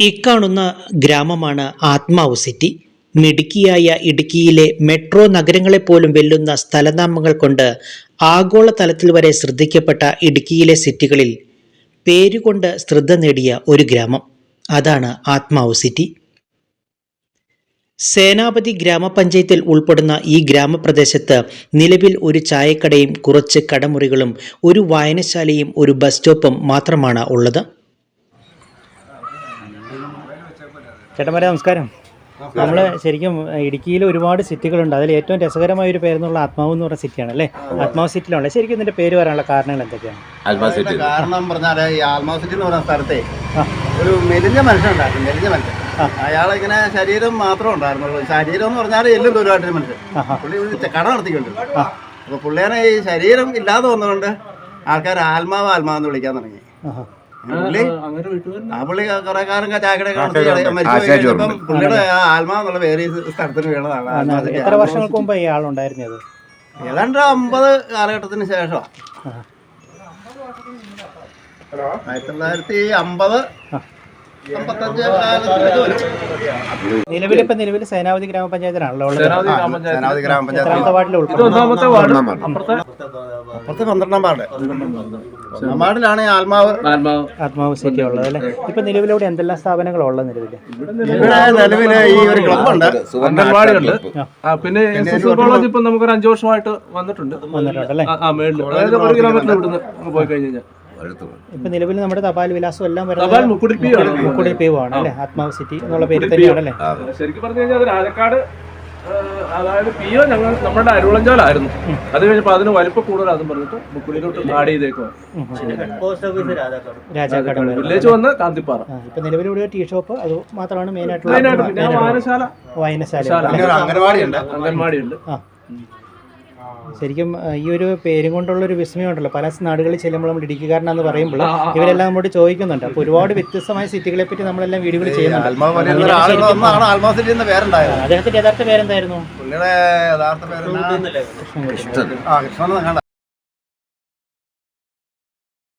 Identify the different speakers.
Speaker 1: ഇക്കാണുന്ന ഗ്രാമമാണ് ആത്മാവ് സിറ്റി. മിടുക്കിയായ ഇടുക്കിയിലെ മെട്രോ നഗരങ്ങളെപ്പോലും വെല്ലുന്ന സ്ഥലനാമങ്ങൾ കൊണ്ട് ആഗോളതലത്തിൽ വരെ ശ്രദ്ധിക്കപ്പെട്ട ഇടുക്കിയിലെ സിറ്റികളിൽ പേരുകൊണ്ട് ശ്രദ്ധ നേടിയ ഒരു ഗ്രാമം, അതാണ് ആത്മാവ് സിറ്റി. സേനാപതി ഗ്രാമപഞ്ചായത്തിൽ ഉൾപ്പെടുന്ന ഈ ഗ്രാമപ്രദേശത്ത് നിലവിൽ ഒരു ചായക്കടയും കുറച്ച് കടമുറികളും ഒരു വായനശാലയും ഒരു ബസ് സ്റ്റോപ്പും മാത്രമാണ് ഉള്ളത്.
Speaker 2: ചേട്ടന്മാരെ നമസ്കാരം. നമ്മൾ ശരിക്കും ഇടുക്കിയിൽ ഒരുപാട് സിറ്റികളുണ്ട്. അതിൽ ഏറ്റവും രസകരമായ ഒരു പേരെന്നുള്ള ആത്മാവ് എന്ന് പറഞ്ഞ സിറ്റിയാണ് അല്ലേ? ആത്മാവ് സിറ്റിയിലുള്ള ശരിക്കും ഇതിന്റെ പേര് വരാനുള്ള കാരണങ്ങൾ എന്തൊക്കെയാണ്?
Speaker 3: കാരണം പറഞ്ഞാൽ ഈ ആത്മാവ് സിറ്റി എന്ന് പറയുന്ന സ്ഥലത്തെ ഒരു മെലിഞ്ഞ മനുഷ്യനുണ്ടായിരുന്നു. മെലിഞ്ഞ മനുഷ്യൻ, അയാളിങ്ങനെ ശരീരം മാത്രമേ ഉണ്ടായിരുന്നുള്ളൂ. ശരീരം എന്ന് പറഞ്ഞാൽ എല്ലാം ദൂരമായിട്ടൊരു മനുഷ്യൻ. പുള്ളി കട നടത്തിക്കൊണ്ടിരുന്നു. അപ്പൊ പുള്ളിയാണ് ഈ ശരീരം ഇല്ലാതെ വന്നുകൊണ്ട് ആൾക്കാർ ആത്മാവ് ആത്മാവെന്ന് വിളിക്കാൻ തുടങ്ങി. പുള്ളി കുറെ കാലം ചാക്കടെ മരിച്ചു. പുള്ളിയുടെ ആത്മാവെന്നുള്ള പേര് സ്ഥലത്തിന് വീണതാണ്.
Speaker 2: എത്ര വർഷങ്ങൾക്ക് മുമ്പ് ഈ ആളുണ്ടായിരുന്നത്?
Speaker 3: ഏതാണ്ട് 50 കാലഘട്ടത്തിന് ശേഷം, 1950 55
Speaker 2: നിലവിൽ സേനാപതി ഗ്രാമപഞ്ചായത്തിലാണല്ലോ ഉള്ളത്.
Speaker 3: സേനാപതി ഗ്രാമപഞ്ചായത്ത്
Speaker 2: എത്രാമത്തെ വാർഡിൽ
Speaker 3: അപ്പുറത്തെ 12ാം വാർഡ്. 1 വാർഡിലാണ്
Speaker 2: ആത്മാവ് സിറ്റി ഉള്ളത് അല്ലേ? ഇപ്പൊ നിലവിലൂടെ എന്തെല്ലാം സ്ഥാപനങ്ങളാണ് ഉള്ളത്?
Speaker 3: നിലവില് ഈ ഒരു ക്ലബുണ്ട്,
Speaker 4: അംഗൻവാടിയുണ്ട്, പിന്നെ കോളേജ് ഇപ്പൊ നമുക്കൊരു 5 വർഷമായിട്ട് വന്നിട്ടുണ്ട്
Speaker 2: അല്ലേ?
Speaker 4: അതായത് 1 കിലോമീറ്റർ ഇവിടുന്ന് പോയി കഴിഞ്ഞാൽ
Speaker 2: ഇപ്പൊ നിലവിൽ നമ്മുടെ തപാൽ വിലാസം എല്ലാം മുക്കുടിൽ പീവാണ് അല്ലേ? ആത്മാവ് സിറ്റി എന്നുള്ള പേര് തന്നെയാണല്ലേ?
Speaker 4: ശരിക്കും പറഞ്ഞു കഴിഞ്ഞാൽ രാജക്കാട്, അതായത് പിയോ ഞങ്ങൾ നമ്മുടെ അരുളഞ്ചാലായിരുന്നു. അത് കഴിഞ്ഞപ്പോൾ അതിന് വലിപ്പം കൂടുതലാണെന്ന് പറഞ്ഞിട്ട് മുക്കുടിയിലോട്ട് ആഡ് ചെയ്തേക്കുവാ.
Speaker 2: രാജാക്കാട്
Speaker 4: വില്ലേജ് വന്ന് കാന്തിപ്പാറ.
Speaker 2: ഇപ്പൊ നിലവിലൂടെ ടീ ഷോപ്പ് അത് മാത്രമാണ് മെയിനായിട്ടുള്ള. വായനശാല,
Speaker 4: അംഗൻവാടിയുണ്ട്.
Speaker 2: ശരിക്കും ഈ ഒരു പേരും കൊണ്ടുള്ളൊരു വിസ്മയം ഉണ്ടല്ലോ. പല നാടുകളിൽ ചെല്ലുമ്പോൾ നമ്മൾ ഇടുക്കിക്കാരനാന്ന് പറയുമ്പോൾ ഇവരെല്ലാം നമ്മോട് ചോദിക്കുന്നുണ്ട്. അപ്പോൾ ഒരുപാട് വ്യത്യസ്തമായ സിറ്റികളെ പറ്റി നമ്മളെല്ലാം വീഡിയോകൾ ചെയ്യുന്നുണ്ട്. അദ്ദേഹത്തിന്റെ യഥാർത്ഥ പേരെന്തായിരുന്നു?
Speaker 3: പുള്ളിയുടെ യഥാർത്ഥ പേര് കൃഷ്ണൻ.